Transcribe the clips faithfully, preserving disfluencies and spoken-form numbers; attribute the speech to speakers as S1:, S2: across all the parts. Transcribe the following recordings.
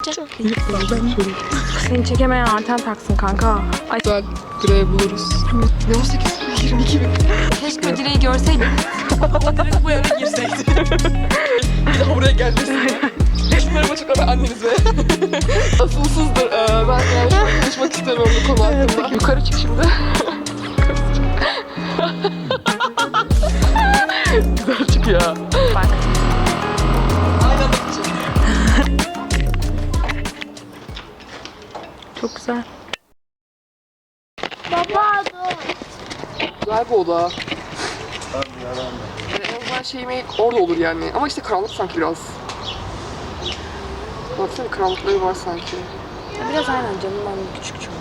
S1: Seni çekemeyen anten taksın kanka. Ay.
S2: Güzel direği buluruz. Ne on sekiz yirmi iki bin.
S1: Keşke o direği görseydim. Direkt bu eve girseydim.
S2: Bir daha buraya gelmesin. Şunları açıklama anneniz ve asılsızdır. Ee, ben yani şu an konuşmak istemiyorum bu konu hakkında. Yukarı çık şimdi. Güzel çık ya.
S1: Bak.
S2: Aynı anda çık.
S1: Çok güzel.
S3: Baba dur.
S2: Güzel bir oda. Yani en azından şeyimi orada olur yani. Ama işte karanlık sanki biraz. Baksana karanlıkları var sanki.
S1: Biraz aynen canım, ben küçük çünkü.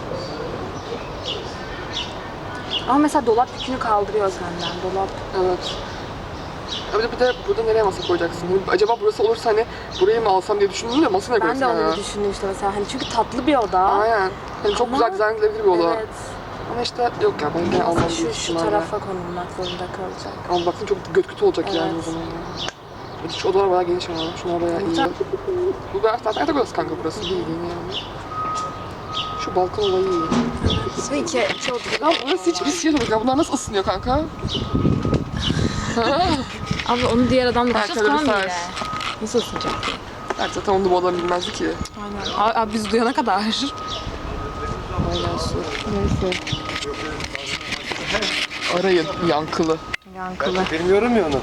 S1: Ama mesela dolap yükünü kaldırıyor senden. Dolap.
S2: Evet. Ya bir de, bir de burada nereye masa koyacaksın? Hani acaba burası olursa hani burayı mı alsam diye düşündüm de masa ne
S1: Ben de
S2: koyacaksın
S1: onu
S2: ya?
S1: düşündüm işte mesela. Hani çünkü tatlı bir oda.
S2: Aynen. Hani çok
S1: Ama-
S2: güzel dizayn edilebilir bir oda.
S1: Evet.
S2: Ama işte yok ya ben gene almam
S1: Şu,
S2: büyük
S1: şu
S2: ihtimalle.
S1: tarafa konulmak zorunda kalacak.
S2: Ama baksana çok göt kötü olacak yani o
S1: Evet.
S2: zaman ya. Bir de şu odalar bayağı geniş ama. Şunlar bayağı iyi.
S1: Güzel.
S2: Bu bayağı zaten yatak odası kanka burası. Değil yani. Şu balkon olayı iyi.
S1: Ve iki, iki oda.
S2: Ya burası hiç pis değil ya. Bunlar nasıl ısınıyor kanka?
S1: Abi onu diğer adamla
S2: Ha,
S1: konuşacağız falan
S2: kalorifer.
S1: bile. Nasıl ısınacak?
S2: Evet zaten onu da bu adam bilmezdi ki.
S1: Aynen. Abi biz duyana kadar.
S2: Aynen su. Neyse. Arayın yankılı.
S1: Yankılı.
S4: Bilmiyorum ya onu.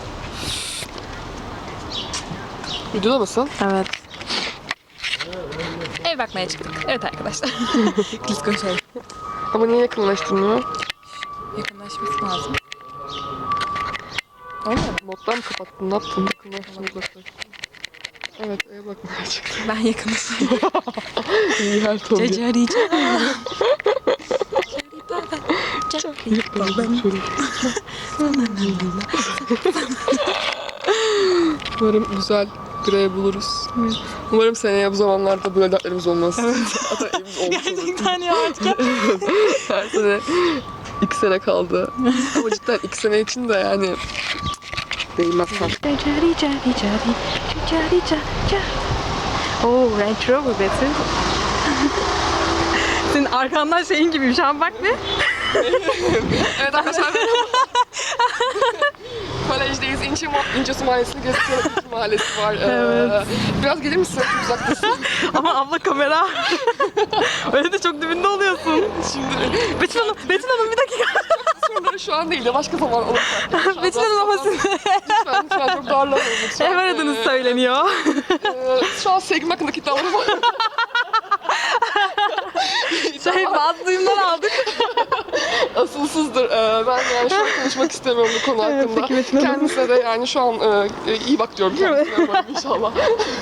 S2: Videoda mısın?
S1: Evet. Ev bakmaya çıktık. Evet arkadaşlar. Biz konuşalım.
S2: Ama niye yakınlaştırmıyor?
S1: Yakınlaşması lazım. Olmuyor mu?
S2: Moddan mı kapattın? Ne yaptın? Yakınlaştın, uzaklaştın. Evet, eve bakmaya çıktım.
S1: Ben yakınlaşıyorum.
S2: İyi her ton.
S1: Cacari
S2: Umarım güzel direği buluruz. Umarım seneye bu zamanlarda böyle dertlerimiz olmaz. Evet. Hatta evimiz olmuş olur.
S1: Gerçekten ya artık.
S2: Her sene iki sene kaldı. Ama cidden iki sene için de yani değmez kanka.
S1: Cacari cari cari cacari cari. Oo, Range Rover Betty. Senin arkandan şeyin gibi şu an bak bir.
S2: Evet arkadaşlar. Kolejdeyiz. İnce, İncesu Mahallesi'ni geziyoruz. İnce Mahallesi var.
S1: Evet.
S2: Ee, biraz gelir misin? Çok uzaktasın.
S1: Ama abla kamera. Öyle de çok dibinde oluyorsun.
S2: Şimdi
S1: Betül Hanım, Betül Hanım bir dakika.
S2: soruları şu an değil de başka zaman olursa.
S1: Betül Hanım ama siz
S2: Lütfen, lütfen çok darlamayın lütfen.
S1: ev aradığınız
S2: Ee,
S1: söyleniyor.
S2: Ee, şu an sevgim hakkındaki iddialarım var.
S1: Şey, bazı duyumlar aldık.
S2: Asılsızdır. Ee, ben yani şu an konuşmak istemiyorum bu konu
S1: Evet,
S2: hakkında.
S1: peki Metin Hanım.
S2: Kendisine de yani şu an e, e, iyi bak diyorum kendisine umarım inşallah.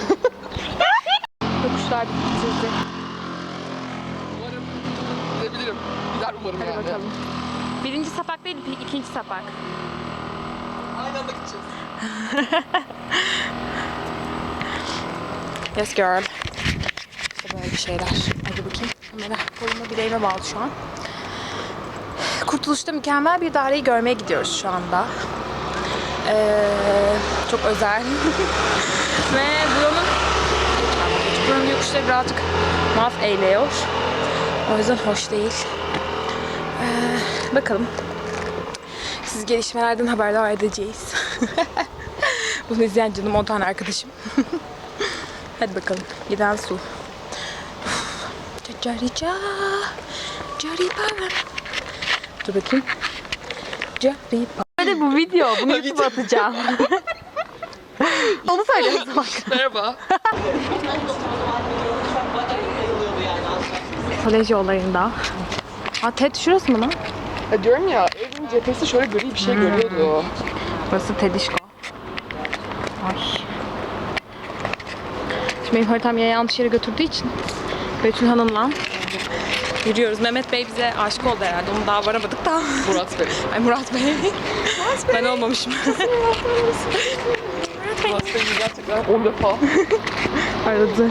S1: Yokuşlar bitirdi.
S2: Umarım gidebilirim. Gider umarım
S1: Hadi
S2: yani.
S1: bakalım. Birinci sapak değil, ikinci sapak.
S2: Aynı anda gideceğiz.
S1: Yes girl. İşte böyle bir şeyler. Hadi bakayım. Kamera koluma bileğime bağlı şu an. Kurtuluş'ta mükemmel bir daireyi görmeye gidiyoruz şu anda. Ee, çok özel. Ve buranın buranın yokuşları birazcık mahv eğliyor. O yüzden hoş değil. Ee, bakalım. Siz gelişmelerden haberdar edeceğiz. Bunu izleyen canım on tane arkadaşım. Hadi bakalım. Giden su. Carica. Caripa. Dur bakayım. Caripa. Hadi bu video. Bunu YouTube'a atacağım. Onu söyle o zaman.
S2: Merhaba.
S1: Kolej yollarında. Aa, TED şurası mı lan?
S2: Ya diyorum ya evin cephesi şöyle gri bir şey görüyordu.
S1: Burası Tedişko. Ay. Şimdi benim haritam yine yanlış yere götürdüğü için Betül Hanım'la yürüyoruz. Mehmet Bey bize aşık oldu herhalde. Onu daha varamadık da.
S2: Murat Bey.
S1: Ay Murat Bey. Murat Bey. Ben olmamışım.
S2: Murat Bey gerçekten on defa.
S1: Aradı.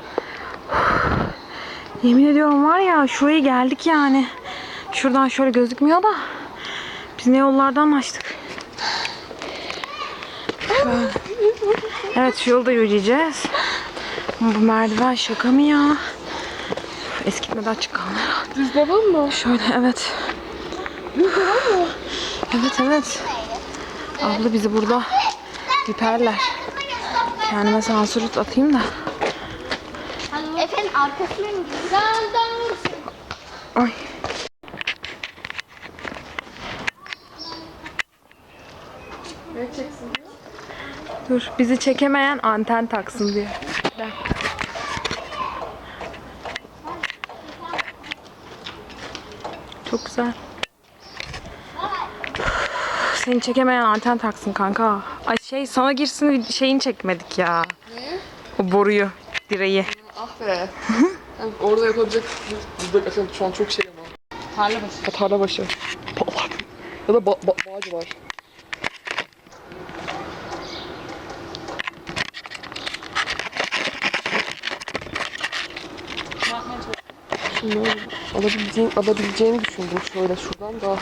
S1: Yemin ediyorum var ya şuraya geldik yani. Şuradan şöyle gözükmüyor da biz ne yollardan açtık. Evet şu yolda yürüyeceğiz. Bu merdiven şaka mı ya? Eskitmeden çıkan.
S2: Düz devam mı?
S1: Şöyle evet.
S2: Düz devam mı?
S1: Evet evet. Abla bizi burada diperler. Kendime sansür atayım da.
S3: Efendim arkasına mı gidiyorsun?
S1: Ay.
S2: Ne çeksin diyor?
S1: Dur bizi çekemeyen anten taksın diye. Bir dakika. Çok güzel. Seni çekemeyen anten taksın kanka. Ay şey sana girsin şeyini çekmedik ya.
S2: Ne?
S1: O boruyu, direği.
S2: Ah be. Yani orada yapabilecek burada gerçekten şu an çok şey ama.
S1: Tarla başı.
S2: Ha, tarla başı. Ba- bak. Ya da ba ba bağcı var. Şimdi alabileceğin, alabileceğini düşündüm şöyle şuradan da.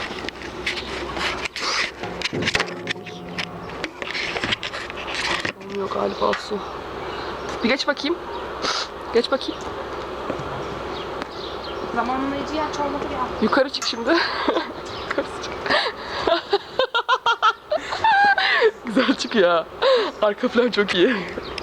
S2: Olmuyor galiba su. Bir geç bakayım. Geç bakayım.
S1: Zamanlayıcı aç olmadı ya.
S2: Yukarı çık şimdi. Yukarı çık. Güzel çıkıyor. Arka plan çok iyi.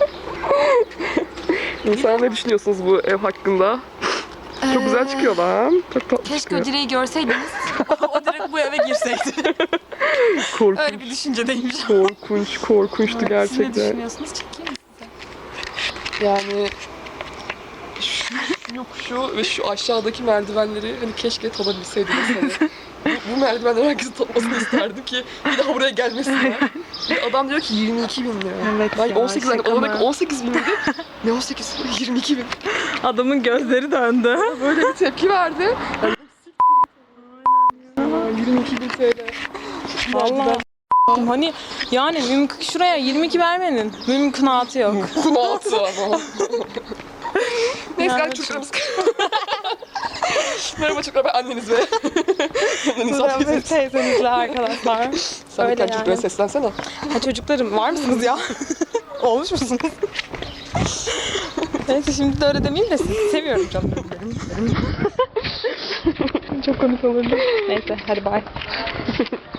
S2: İnsan ne düşünüyorsunuz bu ev hakkında? Çok güzel çıkıyor lan. Çok tatlı
S1: Keşke
S2: çıkıyor.
S1: o direği görseydiniz. O direkt bu eve girseydi.
S2: Korkunç,
S1: Öyle bir düşüncedeymiş.
S2: korkunç, korkunçtu
S1: Siz ne
S2: gerçekten.
S1: düşünüyorsunuz? Çekeyim mi?
S2: Yani şu, şu yokuşu ve şu aşağıdaki merdivenleri hani keşke tadabilseydiniz hani. Bu, bu merdivenleri herkesin tatmasını isterdim ki bir daha buraya gelmesinler. Bir adam diyor ki yirmi iki bin lira.
S1: Evet
S2: Ben
S1: ya,
S2: on sekiz
S1: şaka
S2: adam diyor
S1: mı?
S2: ki on sekiz bin dedi. Ne on sekiz? yirmi iki bin.
S1: Adamın gözleri döndü.
S2: Böyle bir tepki verdi. Yani, Aa, yirmi iki bin T L.
S1: Vallahi hani yani mümkün şuraya yirmi iki vermenin mümkünatı yok.
S2: Kunaatı ama. Neyse
S1: Yani
S2: gel çocuklarımız. Merhaba çocuklar, ben anneniz ve anneniz
S1: Biz teyzenizle arkadaşlar.
S2: Sen
S1: Öyle
S2: bir tane çocuklara
S1: yani.
S2: seslensene.
S1: Ha çocuklarım var mısınız ya? Olmuş musunuz? Neyse şimdi de öyle demeyeyim de sizi seviyorum canlarım benim. Çok komik olurdu. Neyse hadi bay.